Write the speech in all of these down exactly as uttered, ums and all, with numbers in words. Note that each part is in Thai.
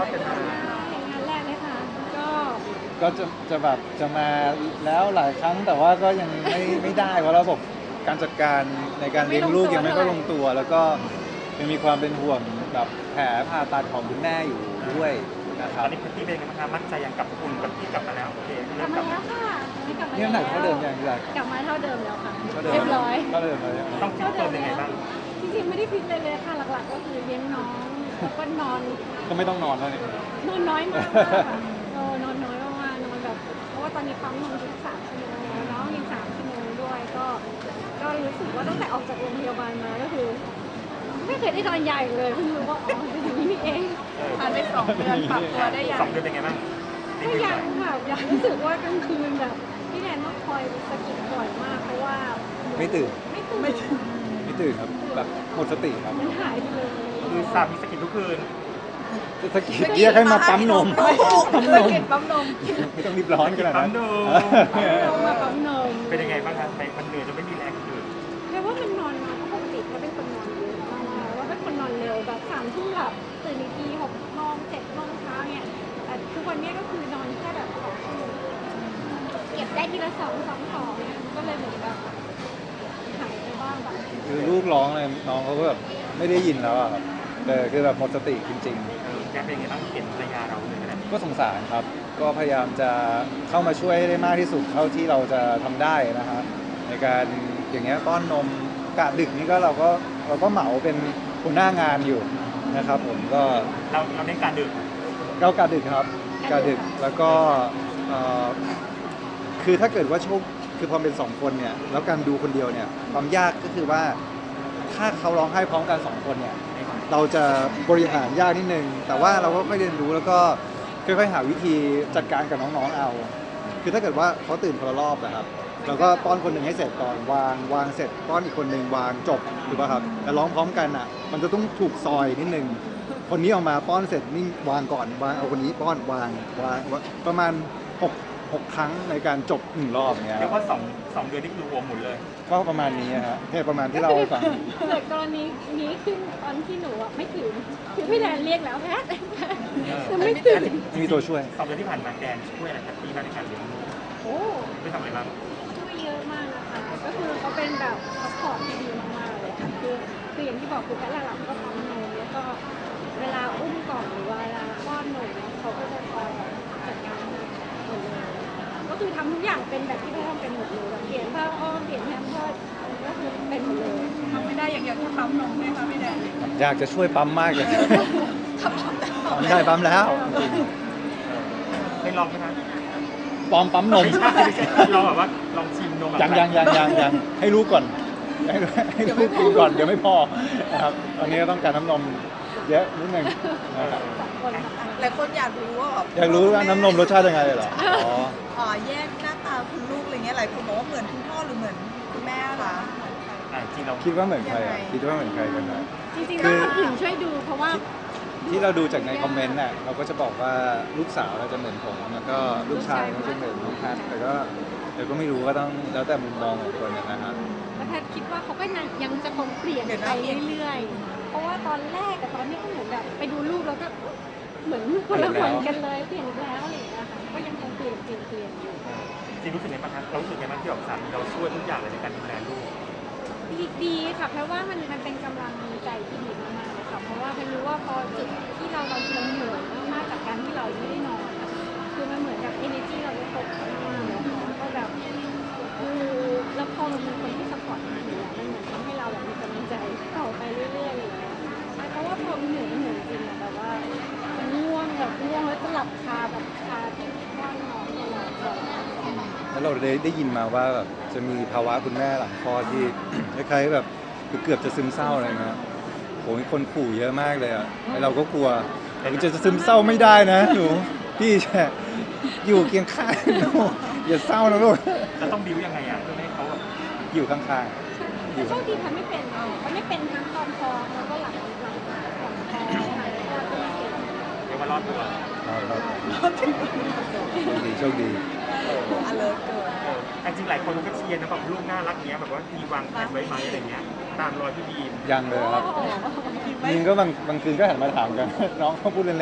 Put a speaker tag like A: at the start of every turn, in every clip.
A: อดกันมาง
B: านแรกเลยค่ะก็
C: ก็จะจะแบบจะมาแล้วหลายครั้งแต่ว่าก็ยังไม่ไม่ได้เพราะระบบการจัดการในการเลี้ยงลูกยังไม่ก็ลงตัวแล้วก็ยังมีความเป็นห่วงแบบแผลผ่าตัดของคุณแม่อยู่ด้วยนะค
A: ต
C: รั
A: อบ นนี้พี่เป็นยังไงบ้างคะมั่นใจยังกับคุณกับพี่กลับมาแล้วโอเค
B: ก
A: เริ่
B: ลับ
A: มก
B: มา
A: ลับ
B: แล้วค่ะนี่กลับมา
C: นี่น้ำหนักเท่าเดิมยังพี่หลัก
B: กลับมาเท่าเดิมแล้วค่ะ
C: เท่าเดิม
B: เรียบร้อย
C: เท่าเดิมเลย
A: ต้องฟิตเติมยังไงบ้าง
B: จริงๆไม่ได้ฟิตเลยเลยค่ะหลักๆก็คือเลี้ยงน้องแล้วก็นอน
C: ก็ไม่ต้องนอนแล้วนี่
B: นอนน้อยมากค่ะเออนอนน้อยมากๆนอนแบบเพราะว่าตอนนี้ปั๊มนมทุกสามชั่วโมงแล้วน้องยังสามชั่วโมงด้วยก็ก็รู้สึกว่าตั้งแต่ออกจากโรงพยาบาลมาก็คือ ไม่เคยได้นอนใหญ่เลยเพิ่งรู้ว่าอ๋อเป็นอย่างนี้นี่เองผ่านไปสองเดือนปรับตัวได้ยัง
A: สองเดือนเป็นไงบ้าง
B: ก็ยังค่ะยังรู้สึกว่ากลางคืนแบบพี่แนนต้องคอยสะกิดบ่อยมากเพราะว่า
C: ไม่ตื่น
B: ไม่ตื่น
C: ไม่ตื่นครับแบบหมดสติครับ
B: มันหายไปเลย
A: คือสามีสกินทุกคืน
C: สะกิดเรียกให้มาปั๊มนมปั๊มนม
B: ปั๊มนม
C: ไม่ต้องรีบร้อนขนาดนั้น
A: ปั๊มนม
B: ลงมาปั๊มนม
A: เป็นยังไงบ้างคะไปมันเหนื่อยจนไม่มีแรงคืน
B: แปลว่ามันนอนมาเพราะปกติเขาเป็นคนนอนเยอะมากว่าเป็นคนนอนเร็วแบบสามทุ่มหลับตื่นอีกทีหกโมงเจ็ดโมงเช้าเนี่ยแต่ทุกวันนี้ก็คือนอนแค่แบบสองชั่วโมงเก็บได้ทีละสองสองสองเนี่ยมันก็เลยเหมือนแบบหายไปบ้างแบบ
C: คือลูกร้องเลยน้องเขาก็แบบไม่ได้ยินแล้วอะครับแต่คือแบบหมดสติจริง
A: เออแกเป็นยังไงบ้างเห็นภรรยาเราเลยขนาดนี้
C: ๆ ก็สงสารครับ ก็พยายามจะเข้ามาช่วยให้ได้มากที่สุดเท่าที่เราจะทำได้นะฮะในการอย่างเงี้ยป้อนนมกะดึกนี่ก็เราก็เราก็เหมาเป็นหัวหน้างานอยู่นะครับผมก็
A: เราเราเน้นการดื่ม
C: เรากะดึกครับกะดึกแล้วก็เอ่อคือถ้าเกิดว่าโชคคือพอเป็นสองคนเนี่ยแล้วการดูคนเดียวเนี่ยความยากก็คือว่าถ้าเขาร้องไห้พร้อมกันสองคนเนี่ยเราจะบริหารยากนิดนึงแต่ว่าเราก็ค่อยเรียนรู้แล้วก็ค่อยๆหาวิธีจัดการกับน้องๆเอา คือถ้าเกิดว่าเขาตื่นคนละรอบนะครับเราก็ป้อนคนหนึ่งให้เสร็จก่อนวางวางเสร็จป้อนอีกคนหนึ่งวางจบถูกป่ะครับแต่ร้องพร้อมกันอ่ะมันจะต้องถูกซอยนิดนึงคนนี้ออกมาป้อนเสร็จนี่วางก่อนวางเอาคนนี้ป้อนวางวางวางประมาณหกหกครั้งในการจบหนึ่งรอบเนี้ย
A: เรียกว่าสองสองเดือนนี่คือรวมหมดเลย
C: ก็ประมาณนี้ฮะเนี่ยประมาณที่เราให้ฟัง
B: เกิดกรณีนี้ขึ้นตอนที่หนูอ่ะไม่ตื่นคือพี่แนนเรียกแล้วแพทย์คือไม่ตื่น
C: มีตัวช่วย
A: สองเดือนที่ผ่านมาแดนช่วยอะไรครับพี่บ้างในการเลี้ยงลูก
B: โอ้
A: ไม่ทำอะไรบ้าง
B: ช่วยเยอะมากนะคะก็คือเขาเป็นแบบซัพพอร์ตที่ดีมากๆเลยค่ะคือคืออย่างที่บอกคือแพทย์หลักๆก็ปั๊มนมแล้วก็เวลาอุ้มกล่องหรือว่าเวลาป้อนนมเนี่ยเขาก็จะคอยจัดการหมดเลยก็คือทำทุกอย่างเป็นแบบที่แพทย์ทำเป็นหมดเลยแบบเปลี่ยนผ้าอ้อมเปลี่ยนแพมเพิร์สก็คือเป็นหมดเลยทำไม่ได้อย่างเดียวคือปั๊มนมไหมคะพี่แดน
C: อยากจะช่วยปั๊มมากเลยปั๊มได้ปั๊มแล้วจริง
A: ได้ลองไหมคะ
C: ปลอมปั๊มนม
A: ไม่ใช่ไม่ใช่ลองแบบว่าลองชิมนมแบบ
C: ยังยังยังยังยังให้รู้ก่อนให้ให้รู้กินก่อนเดี๋ยวไม่พอนะครับตอนนี้ก็ต้องการน้ำนมเยอะนิดนึงนะครับ
B: สองคนค่ะ
D: หลายคนอยากรู้ว่าแบบ
C: อยากรู้ว่าน้ำนมรสชาติยังไงเหรออ๋อ
D: อ๋อแยกหน้าตาคุณลูกอะไรเงี้ยหลายคนบอกว่าเหมือนคุณพ่อหรือเหมือนคุณแม่คะ
A: อ่าจริงเรา
C: คิดว่าเหมือนใครอ่ะคิดว่าเหมือนใครกันนะ
B: จริงๆต้องคนอื่นช่วยดูเพราะว่า
C: ที่เราดูจากในคอมเมนต์น่ะเราก็จะบอกว่าลูกสาวเราจะเหมือนผมแล้วก็ลูกชายเขาจะเหมือนน้องแพทแต่ก็แต่ก็ไม่รู้ก็ต้องแล้วแต่มุมมองของคนนะฮะ
B: แล้วแพทย์คิดว่าเขาก็ยังจะคงเปลี่ยนไปเรื่อยๆ เพราะว่าตอนแรกกับตอนนี้ก็เหมือนแบบไปดูรูปแล้วก็เหมือนคนละคนกันเลยเปลี่ยนอีกแล้วอะไรอย่างเงี้ยค่ะก็ยังคงเปลี่ยนเปลี่ยนเปลี่ยนอยู่
A: จริงรู้สึกไงบ้างคะเรารู้สึกไงบ้างที่แบบสามีเราช่วยทุกอย่างเลยในการดูแลลูก
B: ดีดีค่ะเพราะว่ามันมันเป็นกำลังใจที่ดีมากๆเลยค่ะเพราะว่าเป็นรู้ว่าพอจุดที่เราบางทีเราเหนื่อยมากๆจากการที่เราไม่ได้นอนอะคือมันเหมือนกับ energy เราได้ตกมากเลยค่ะก็แบบคือแล้วพอมันมีคนที่สปอร์ตมันอยู่มันเหมือนทำให้เราแบบมีกำลังใจต่อไปเรื่อยๆอย่างเงี้ยใช่เพราะว่าพอมันเหนื่อยมันเหนื่อยจริงอะแบบว่ามันง่วงแบบง่วงแล้วจะหลับคาแบบคาที่บ้านนอนตลอดเลย
C: แล้วเราได้ได้ยินมาว่าแบบจะมีภาวะคุณแม่หลังคลอดที่ คล้ายๆแบบเกือบจะซึมเศร้าอะไรเงี้ยโหมีคนขู่เยอะมากเลยอ่ะแล้วเราก็กลัวแต่จะซึมเศร้าไม่ได้นะหนูพี่แช่อยู่เคียงข้างหนูอย่าเศร้านะลูก
A: จะต้องบิวยังไงอ่ะเพื่อไม่ให้เขาแบบ
C: อยู่ข้างๆอยู่
B: โชคดีพันไม่เป็นมันไม่เป็นทั้งตอนท้องแล้วก็หลังหลังหลังท้องค่ะแล้วก็ไม่เป็น
A: เรียกว่ารอดตัว
C: ครับโชคดีโชคดี
D: อเลิร์เกิน
A: เออแต่จริงหลายคนก็เชียร์นะแบบลูกน่ารักเนี้ยแบบว่ามีวางแผนไว้ไหมอะไรเงี้ยตามรอยพี่บีม
C: ยังเลยครับ
B: โอ้โห
C: ยิงก็บางบางคืนก็หันมาถามกัน น้องเขาพูดเล่น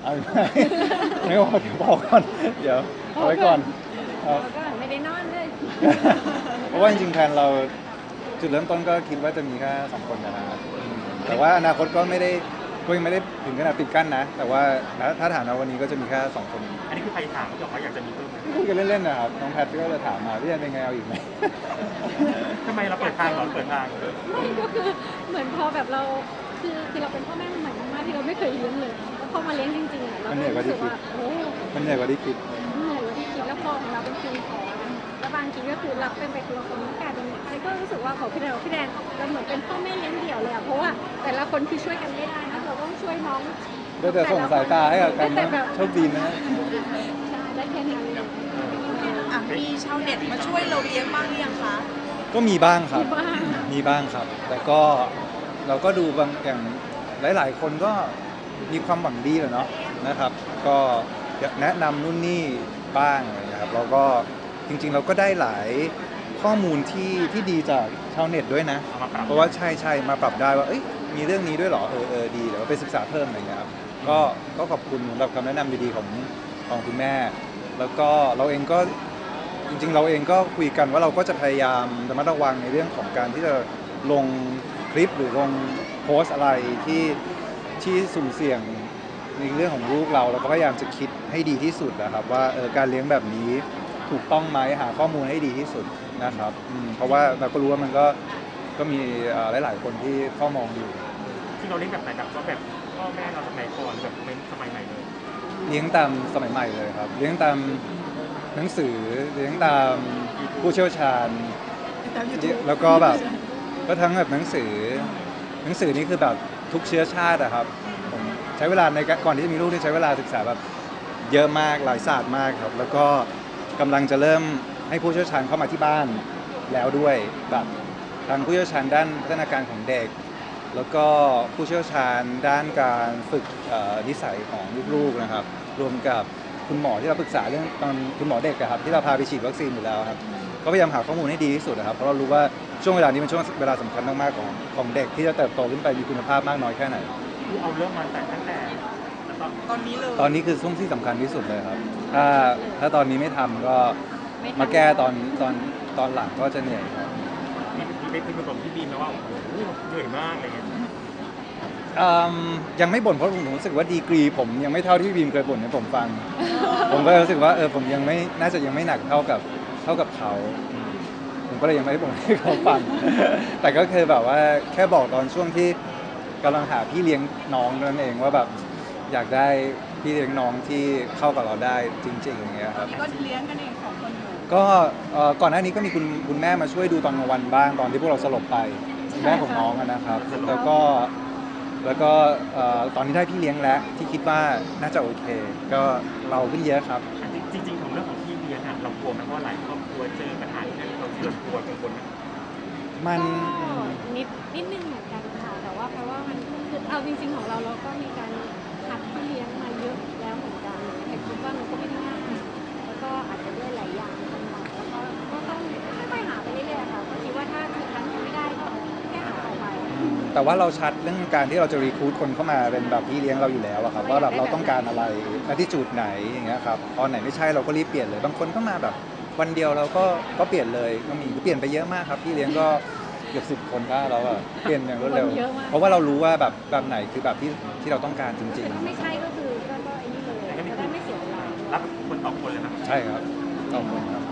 C: เอาไหมไม่บอกเดี๋ยวบอกก่อนเดี๋ยวเอาไว้ก่อนครับ
B: เราก็ไม่ได้นอนเลย
C: เพราะว่าจริงๆแพลนเราจุดเริ่มต้นก็คิดว่าจะมีแค่สองคนนะครับอืมแต่ว่าอนาคตก็ไม่ได้ก็ยังไม่ได้ถึงขนาดปิดกั้นนะ แต่ว่าถ้าถ้าถามนะวันนี้ก็จะมีแค่สองคน
A: อันนี้คือใครถามเขาบอกว่าอยากจะมีเพิ่มไหม
C: คุยกันเล่นๆนะครับน้องแพทก็เลยถามมาพี่แอนเป็นไงเอาอีกไหม
A: ทำไมเราเปิดทางเหรอเปิดทาง
B: ไม่ก็คือเหมือนพอแบบเราคือคือเราเป็นพ่อแม่ใหม่มากๆที่เราไม่เคยเลี้ยงเลยแล้วพอมาเลี้ยงจริงๆอ่ะเราก็รู้สึกว่าโอ้
C: มันใหญ่กว่าที่คิด
B: เหนื่อยกว่าที่คิดแล้วพอของเราเป็นคิวของแล้วบางทีก็คือรับเป็นไปคนละคนกลายเป็นใครก็รู้สึกว่าของพี่แดนพี่แดนเราเหมือนเป็นพ่อแม่เลี้ยงเดี่ยวเลยอ่ะเพราะว่าแต่ละคนคือช่วยกันไม่ได้นะเราต้องช่วยน้อง
C: ได้แต่ส่งสายตาให้กับกัน
B: แต่
C: นะ
B: แบบ
C: โชคดีนะ
B: ใช่ได้แค่นั้นเลย
D: อ่ะมีชาวเน็ตมาช่วยเราเลี้ยงบ้างหรือยังคะ
C: ก็มีบ้างครับ
B: มีบ้าง
C: มีบ้างครับ แต่ก็เราก็ดูบางอย่างหลาย ๆ คนก็มีความหวังดีแหละเนาะนะครับ ก็แนะนำนู่นนี่บ้างอะไรอย่างเงี้ยครับเราก็จริง ๆ เราก็ได้หลายข้อมูลที่ที่ดีจากชาวเน็ตด้วยนะ
A: เอามาปรับ
C: เพราะว่าใช่ใช่มาปรับได้ว่าเอ้ยมีเรื่องนี้ด้วยเหรอเออเออดีเดี๋ยวไปศึกษาเพิ่มอะไรอย่างเงี้ยครับก็ก็ขอบคุณสำหรับคำแนะนำดีๆของของคุณแม่ แล้วก็เราเองก็จริง ๆ เราเองก็คุยกันว่าเราก็จะพยายามระมัดระวังในเรื่องของการที่จะลงคลิปหรือลงโพสต์อะไรที่ที่สุ่มเสี่ยงในเรื่องของลูกเราเราก็พยายามจะคิดให้ดีที่สุดนะครับว่าเออการเลี้ยงแบบนี้ถูกต้องไหมหาข้อมูลให้ดีที่สุดนะครับอืมเพราะว่าเราก็รู้ว่ามันก็ก็มีเอ่อหลาย ๆ คนที่เข้ามองอยู่
A: ที่เราเลี้ยงแบบไหนแบบว่าแบบพ่อแม่เราสมัยก่อนแบบเป็นสมัยใหม่เลย
C: เลี้ยงตามสมัยใหม่เลยครับ เลี้ยงตามหนังสือเลี้ยงตามผู้เชี่ยวชาญ แล้วก็แบบก็ทั้งแบบหนังสือ หนังสือนี่คือแบบทุกเชื้อชาติอะครับผมใช้เวลาในการก่อนที่จะมีลูกนี่ใช้เวลาศึกษาแบบเยอะมากหลายศาสตร์มากครับ แล้วก็กำลังจะเริ่มให้ผู้เชี่ยวชาญเข้ามาที่บ้านแล้วด้วยแบบทางผู้เชี่ยวชาญด้านพัฒนาการของเด็ก แล้วก็ผู้เชี่ยวชาญด้านการฝึกเอ่อนิสัยของลูกๆนะครับ รวมกับคุณหมอที่เราปรึกษาเรื่องตอนคุณหมอเด็กอะครับที่เราพาไปฉีดวัคซีนอยู่แล้วครับก็พยายามหาข้อมูลให้ดีที่สุดนะครับเพราะเรารู้ว่าช่วงเวลานี้เป็นช่วงเวลาสำคัญมากๆของของเด็กที่จะเติบโตขึ้นไปมีคุณภาพมากน้อยแค่ไหน
A: คือเอาเรื่องมาแต่ตั้งแต่ตอน
D: ตอนนี้เลย
C: ตอนนี้คือช่วงที่สำคัญที่สุดเลยครับ ถ้าถ้าตอนนี้ไม่ทำก็
B: ไม่ทำ
C: มาแก้ตอนตอนตอนหลังก็จะเหนื่อยครับ
A: มีมีไปคุยกับผมที่บีมแล้วว่าโอ้โหเหนื่อยมากอะไรเงี้ย
C: อืมยังไม่บ่นเพราะผมรู้สึกว่าดีกรีผมยังไม่เท่าที่พี่บีมเคยบ่นให้ผมฟัง ผมก็รู้สึกว่าเออผมยังไม่น่าจะยังไม่หนักเท่ากับเท่ากับเขาอืมผมก็เลยยังไม่ได้บ่นให้เขาฟัง แต่ก็คือแบบว่าแค่บอกตอนช่วงที่กำลังหาพี่เลี้ยงน้องนั่นเองว่าแบบอยากได้พี่เลี้ยงน้องที่เข้ากับเราได้จริงๆอย่างเงี้ยครับ
D: นี่ก็เลี้ยงกันเองสองคนอยู่
C: ก็เอ่อก่อนหน้านี้ก็มีคุณคุณแม่มาช่วยดูตอนกลางวันบ้างตอนที่พวกเราสลบไปคุณแม่ของน้องอะนะครับ แล้วก็แล้วก็เอ่อตอนนี้ได้พี่เลี้ยงแล้วที่คิดว่าน่าจะโอเค ก็เราขึ้นเยอะครับ
A: จริงๆของเรื่องของพี่เลี้ยงอะเรากลัวไหมเพราะว่าหลายครอบครัวเจอปัญหาที่นั่นเราเรากลัวกังวลไหม
C: มัน
B: ก็นิดนิดนึงเหมือนกันค่ะแต่ว่าเพราะว่ามันคือเอาจริงๆของเราเราก็มีการหัดที่เลี้ยงมาเยอะแล้วเหมือนกันแต่คิดว่ามันก็ไม่ได้ง่ายแล้วก็อาจจะด้วยหลายอย่างกำลังแล้วก็ก็ต้องค่อยๆหาไปเรื่อยๆค่ะก็คิดว่าถ้าจุดนั้นยังไม่ได้ก็แค่หาต่อไป
C: แต่ว่าเราชัดเรื่องการที่เราจะรีคูดคนเข้ามาเป็นแบบพี่เลี้ยงเราอยู่แล้วอะครับว่าแบบเราต้องการอะไรและที่จุดไหนอย่างเงี้ยครับตอนไหนไม่ใช่เราก็รีบเปลี่ยนเลยบางคนก็มาแบบวันเดียวเราก็ก็เปลี่ยนเลยก็มีเปลี่ยนไปเยอะมากครับพี่เลี้ยงก็เกือบสิบคนได้แล้วอะเปลี่ยนอย่างรวดเร็ว
B: คนเยอะมาก
C: เพราะว่าเรารู้ว่าแบบแบบไหนคือแบบที่ที่เราต้องการจริง
B: แต่ถ้าไม่ใช่ก็คือก็ก็ไอ้นี่เลยจะได้ไม่เสียเวลา
A: รับคนต่อคนเลยนะ
C: ๆ ใช่ครับต้องคนครับ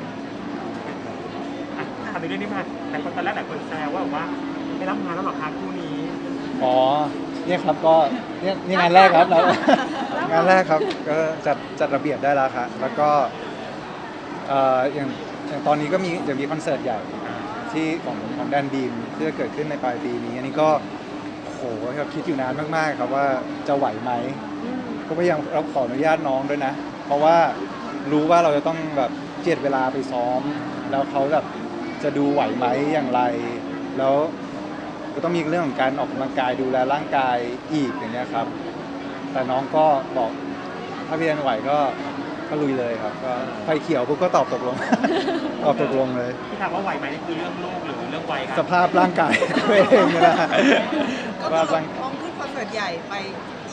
A: อ่ะทำในเรื่องนี้มาแต่คนตอนแรกหลายคนแซวว่าแบบว่าไม่รับงานแล้วหรอคะคู่นี้
C: อ๋อเนี่ยครับก็เนี่ยนี่งานแรกครับแล้ว งานแรกครับก็จัดจัดระเบียบได้แล้วครับแล้วก็เอ่ออย่างอย่างตอนนี้ก็มีเดี๋ยวมีคอนเสิร์ตใหญ่ที่ของของแดนบีมที่จะเกิดขึ้นในปลายปีนี้อันนี้ก็โหครับคิดอยู่นานมากๆครับว่าจะไหวไหมก็พยายามเราขออนุญาตน้องด้วยนะ เพราะว่ารู้ว่าเราจะต้องแบบเจียดเวลาไปซ้อม แล้วเขาแบบจะดูไหวไหมอย่างไร แล้วก็ต้องมีเรื่องของการออกกำลังกายดูแลร่างกายอีกอย่างเงี้ยครับ แต่น้องก็บอกถ้าพี่แอนไหวก็ก็ลุยเลยครับก็ไฟเขียวปุ๊บก็ตอบตกลง ตอบตกลงเลย
A: ที่ถามว่าไหวไหมนี่คือเรื่องลูกหรือเรื่องวัยค
C: ส
A: รับ
C: ภาพร่างกาย ตัวเองนี่นะ
D: ก็
C: สภาพ
D: คือ
C: ร่าง
D: พร้อมขึ้นคอนเสิร์ตใหญ่ไปอีก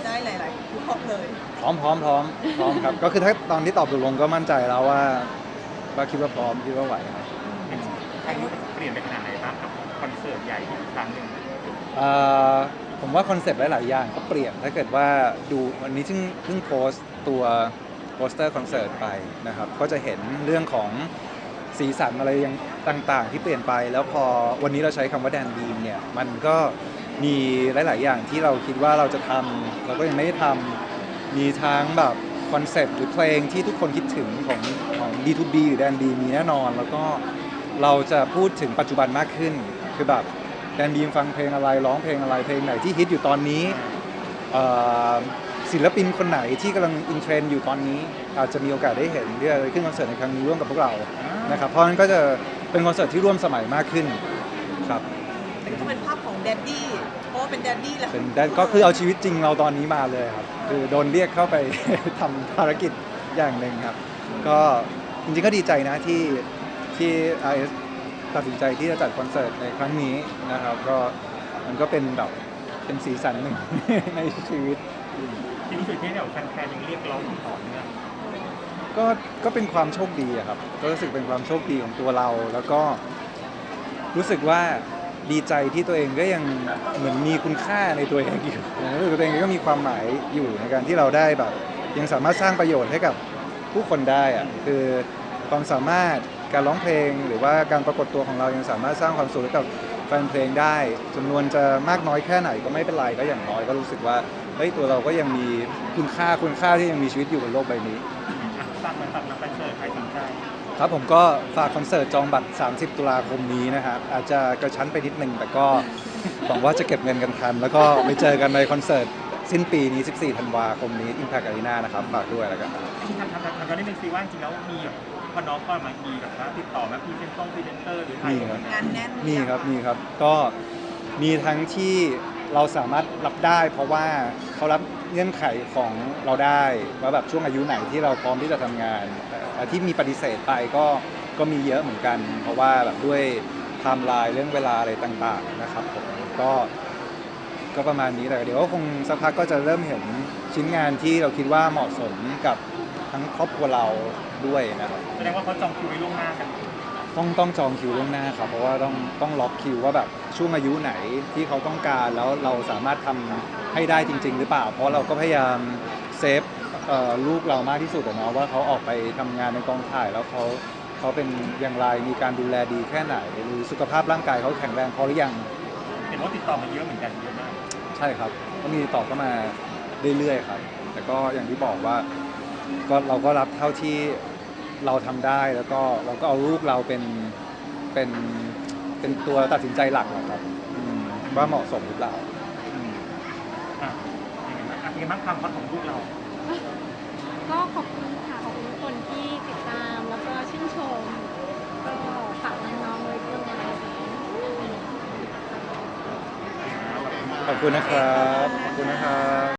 D: ได้หลายๆรอบเลย
C: พร้อมพร้อมพร้อมพร้อมครับ ก็คือถ้าตอนที่ตอบตกลงก็มั่นใจแล้วว่าว่าคิดว่าพร้อมคิดว่าไหวครับ
A: ครั้งนี้เปลี่ยนไปขนาดไหนบ้างกับคอนเสิร์ตใหญ่ที่ครั้งหนึ่ง
C: เอ่อผมว่าคอนเซปต์หลาย ๆ อย่างก็เปลี่ยนถ้าเกิดว่าดูวันนี้เพิ่งเพิ่งโพสต์ตัวโปสเตอร์คอนเสิร์ตไปนะครับก็จะเห็นเรื่องของสีสันอะไรยังต่าง ๆ ที่เปลี่ยนไป แล้วพอวันนี้เราใช้คำว่าแดนบีมเนี่ยมันก็มีหลาย ๆ อย่างที่เราคิดว่าเราจะทำเราก็ยังไม่ได้ทำมีทั้งแบบคอนเซปต์หรือเพลงที่ทุกคนคิดถึงของของ ดี ทู บี หรือแดนบีมีแน่นอน แล้วก็เราจะพูดถึงปัจจุบันมากขึ้นคือแบบแดนบีมฟังเพลงอะไรร้องเพลงอะไรเพลงไหนที่ฮิตอยู่ตอนนี้เอ่อศิลปินคนไหนที่กำลังอินเทรนด์อยู่ตอนนี้อาจจะมีโอกาสได้เห็นที่จะขึ้นคอนเสิร์ตในครั้งนี้ร่วมกับพวกเรานะครับเพราะฉะนั้นก็จะเป็นคอนเสิร์ตที่ร่วมสมัยมากขึ้นครับ
D: แต่ก็เป็นภาพของแดดดี้เพราะว่าเป็นแดดดี้แหละ
C: เป็นได้ก็คือเอาชีวิตจริงเราตอนนี้มาเลยครับคือโดนเรียกเข้าไป ทำภารกิจอย่างหนึ่งครับก็จริงๆก็ดีใจนะที่ที่ อาร์ เอส ตัดสินใจที่จะจัดคอนเสิร์ตในครั้งนี้นะครับก็มันก็เป็นแบบเป็นสีสันหนึ่ง ในชีวิต
A: ที่รู้สึกที่แบบแฟนๆยังเรียกร้องอย่างต่อเนื่อง
C: ก็ก็เป็นความโชคดีอะครับก็รู้สึกเป็นความโชคดีของตัวเรา แล้วก็รู้สึกว่าดีใจที่ตัวเองก็ยังเหมือนมีคุณค่าในตัวเองอยู่รู้สึกตัวเองก็มีความหมายอยู่ในการที่เราได้แบบยังสามารถสร้างประโยชน์ให้กับผู้คนได้อะคือความสามารถการร้องเพลงหรือว่าการปรากฏตัวของเรายังสามารถสร้างความสุขให้กับแฟนเพลงได้จำนวนจะมากน้อยแค่ไหนก็ไม่เป็นไรก็อย่างน้อยก็รู้สึกว่าเฮ้ยตัวเราก็ยังมีคุณค่าคุณค่าที่ยังมีชีวิตอยู่บนโลกใบนี้
A: อ่ะฝากมาฝากมาคอนเสิร์ตใครสนใจ
C: ครับผมก็ฝากคอนเสิร์ตจองบัตร สามสิบ ตุลาคมนี้นะครับอาจจะกระชั้นไปนิดนึงแต่ก็ หวังว่าจะเก็บเงินกันทัน แล้วก็ไปเจอกันในคอนเสิร์ตสิ้นปีนี้ สิบสี่ ธันวาคมนี้ Impact Arena นะครับฝากด้วยแล้วกัน
A: ที่ทำทำทำทำตอนนี้เป็นซีว่าจริงๆแล้วมีแบบพอน้องก็มามีแบบว่าติดต่อมาพรีเซนต์ต้องพรีเซนเตอร์หรือใคร
C: มีครับ
D: งานแน่น
C: มีครับมีครับก็มีทั้งที่เราสามารถรับได้ เพราะว่าเขารับเงื่อนไขของเราได้ว่าแบบช่วงอายุไหนที่เราพร้อมที่จะทำงานแต่ที่มีปฏิเสธไปก็ก็มีเยอะเหมือนกัน เพราะว่าแบบด้วยไทม์ไลน์เรื่องเวลาอะไรต่างๆนะครับผมก็ก็ประมาณนี้แหละเดี๋ยวก็คงสักพักก็จะเริ่มเห็นชิ้นงานที่เราคิดว่าเหมาะสมกับทั้งครอบครัวเราด้วยนะครับ
A: แสดงว่าเขาจองคิวไว้ล่วงหน้ากัน
C: ต้องต้องจองคิวล่วงหน้าครับเพราะว่าต้องต้องล็อกคิวว่าแบบช่วงอายุไหนที่เขาต้องการแล้วเราสามารถทำให้ได้จริง ๆ หรือเปล่า เพราะเราก็พยายามเซฟเอ่อลูกเรามากที่สุดอะเนาะว่าเขาออกไปทำงานในกองถ่ายแล้วเขาเขาเป็นอย่างไรมีการดูแลดีแค่ไหนหรือสุขภาพร่างกายเขาแข็งแรงพอหรือยัง
A: เห็นว่าติดต่อมาเยอะเหมือนกันเยอะมาก
C: ใช่ครับก็มีตอบเข้ามาเรื่อยๆครับแต่ก็อย่างที่บอกว่าก็เราก็รับเท่าที่เราทำได้แล้วก็เราก็เอาลูกเราเป็นเป็นเป็นตัวตัดสินใจหลักนะครับอืมว่าเหมาะสมหรือเปล่าอืม
A: อ่ะยังไงบ้างอ่ะยังไงบ้างความฮอตของลูกเรา
B: ก็ขอบคุณค่ะขอบคุณทุกคนที่ติดตามแล้วก็ชื่นชมก็ฝากน้องๆไว้ด้วย
C: ขอบคุณนะครับขอบคุณนะครับ